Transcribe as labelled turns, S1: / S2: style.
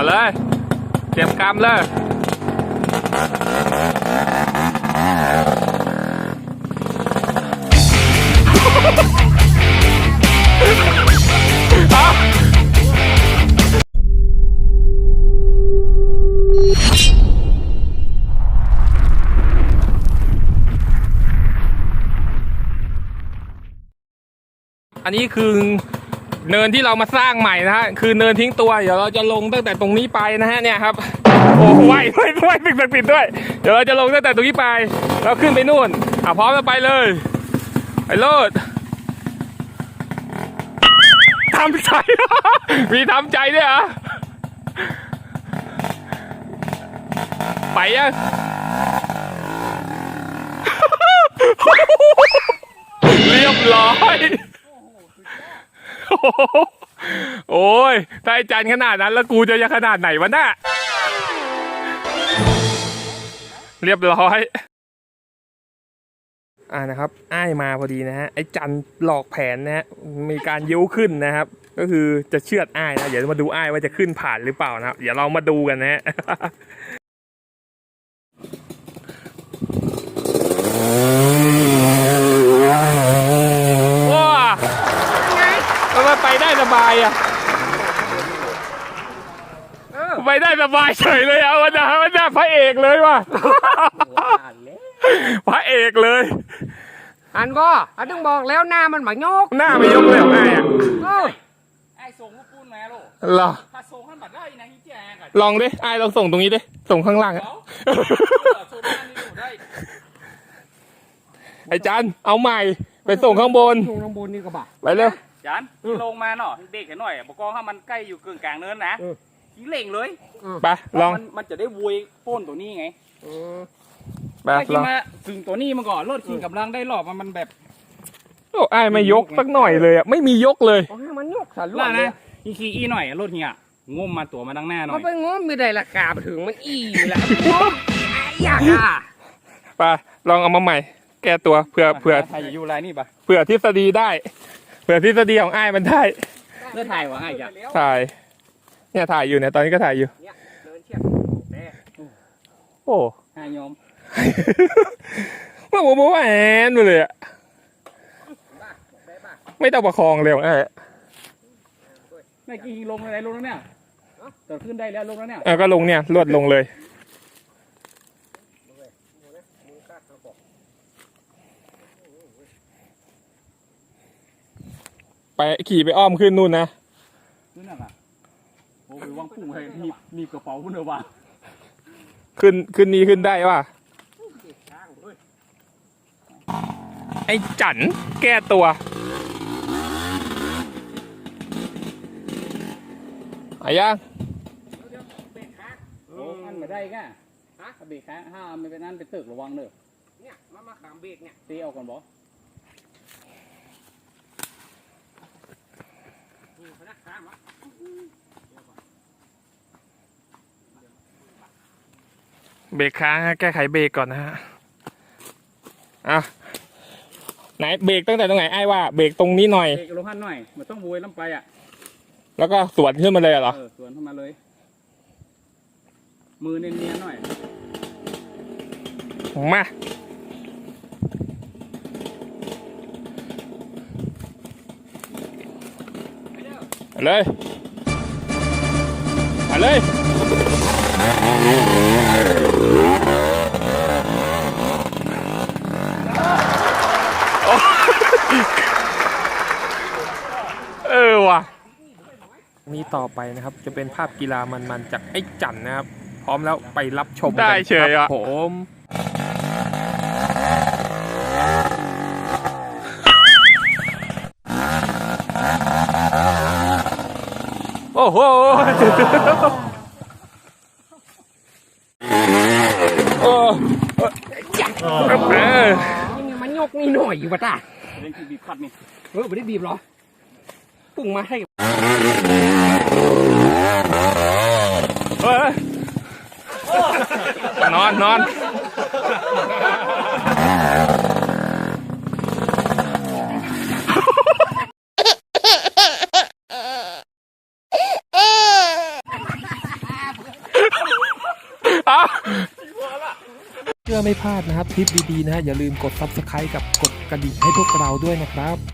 S1: เลยเตรียมกำเลยอันนี้คือเนินที่เรามาสร้างใหม่นะฮะคือเนินทิ้งตัวเดี๋ยวเราจะลงตั้งแต่ตรงนี้ไปนะฮะเนี่ยครับโอ้ไหวปิดด้วยเดี๋ยวเราจะลงตั้งแต่ตรงนี้ไปแล้วขึ้นไปนู่นพร้อมแล้วไปเลยไปโลดทำใจ มีทำใจด้วยเหรอไปยัง เรียบร้อยโอ้ยถ้าไอ้จันขนาดนั้นแล้วกูจะขนาดไหนวะน่ะเรียบร้อยนะครับอ้ายมาพอดีนะฮะไอ้จันหลอกแผนนะฮะมีการยิ้วขึ้นนะครับก็คือจะเชือดอ้ายนะเดี๋ยวมาดูอ้ายว่าจะขึ้นผ่านหรือเปล่านะครับเดี๋ยวเรามาดูกันนะฮะว้ามันไปได้สบายอ่ะไปได้สบายเฉยเลยวันนี้พระเอกเลยว่ะพระเอกเลย
S2: อันบ่ต้องบอกแล้วหน้ามันหมายก
S1: หน้าไม่ยกเลยของไอ้
S3: ไอ้ส่งลูกปูนมาลูก
S1: เหรอ
S3: ถ้าส่งขั้นบัดได้นะฮิแจกัน
S1: ลองดิไอ้ลองส่งตรงนี้ดิส่งข้างล่างไอ้จันเอาใหม่ไปส่งข้างบน
S2: นี่ก็บ่า
S1: ไปเร็ว
S3: จันลงมาเนาะเด็กกันหน่อยบอกว่าถ้ามันใกล้อยู่กึ่งกลางเนินนะทิ้งเล่งเลย
S1: ไปลอง
S3: มันจะได้วุยโป้นตัวนี้ไง
S1: ไป
S3: ลองมาถึงตัวนี้มาก่อนรถขี่กำลังได้หลอบมันแบบ
S1: โอ้ไอ้ไม่ยกสักหน่อยเลยอ่ะไม่มียกเลย
S2: มันยกสัน
S3: ล่านะขี่หน่อยรถเฮียงมมาตัวมาดังหน้าหน่อย
S2: มันไปงมไม่ได้ราคาถึงมันแหละอยาก
S1: ไปลองเอามาใหม่แก้ตัวเผื่อ
S3: ใครอยู่ไรนี่ปะ
S1: เผื่อทฤษฎีได้เผื่อทฤษฎีของไอ้มันได้
S3: เลือถ่ายวะไอ้จ้ะ
S1: ถ่ายเนี่ยถ่ายอยู่เนี่ยตอนนี้ก็ถ่ายอยู่โอ้
S3: หายอม
S1: ว่าโมแอนไปเลยอ่ะไม่ต้องประคองเร็ว
S3: ไม่กี่ลงอะไรลงแล้วเนี่ยต่อขึ้นได้แล้วลงแล้วเนี่ย
S1: ก็ลงเนี่ยลวดลงเลยไปขี่ไปอ้อมขึ้นนู่นนะ
S3: ขึ้นอ่ะโอ้ยวางปุ่งให้มีกระเป๋าพุ่นเดียวว่ะ
S1: ขึ้นนี้ขึ้นได้ว่ะไอ้จันแก้ตัวอายัง
S3: โอ้อันไม่ได้ก่ะเบรกค้างห้ามไม่เป็นนั่นไปตึกระวังเด้อ
S2: เนี่ยมาขามเบรกเนี่ย
S3: ตีเอาก่อนบอ
S1: เบรกค้างแก้ไขเบรกก่อนนะฮะไหนเบรกตั้งแต่ตรงไหนไอ้ว่าเบรกตรงนี้หน่อย
S3: เบรกลงหันหน่อยมันต้องโวยล้ำไปอ่ะ
S1: แล้วก็สวนขึ้นมาเลยเหรอ
S3: สวนขึ้นมาเลยมือเนียนๆหน่อย
S1: มาเลยมาเลยว่ะนี่ต่อไปนะครับจะเป็นภาพกีฬามันๆจากไอ้จันนะครับพร้อมแล้วไปรับชมได้เฉยอ่ะผมโอ้โห
S2: ยังมันยกนี่หน่อยอยู่ปะตา
S3: เล่นบีบคัดนี่
S2: ไม่ได้บีบหรอปุ่งมาให้
S1: นอนเพื่อไม่พลาดนะครับคลิปดีๆนะฮะอย่าลืมกด Subscribe กับกดกระดิ่งให้พวกเราด้วยนะครับ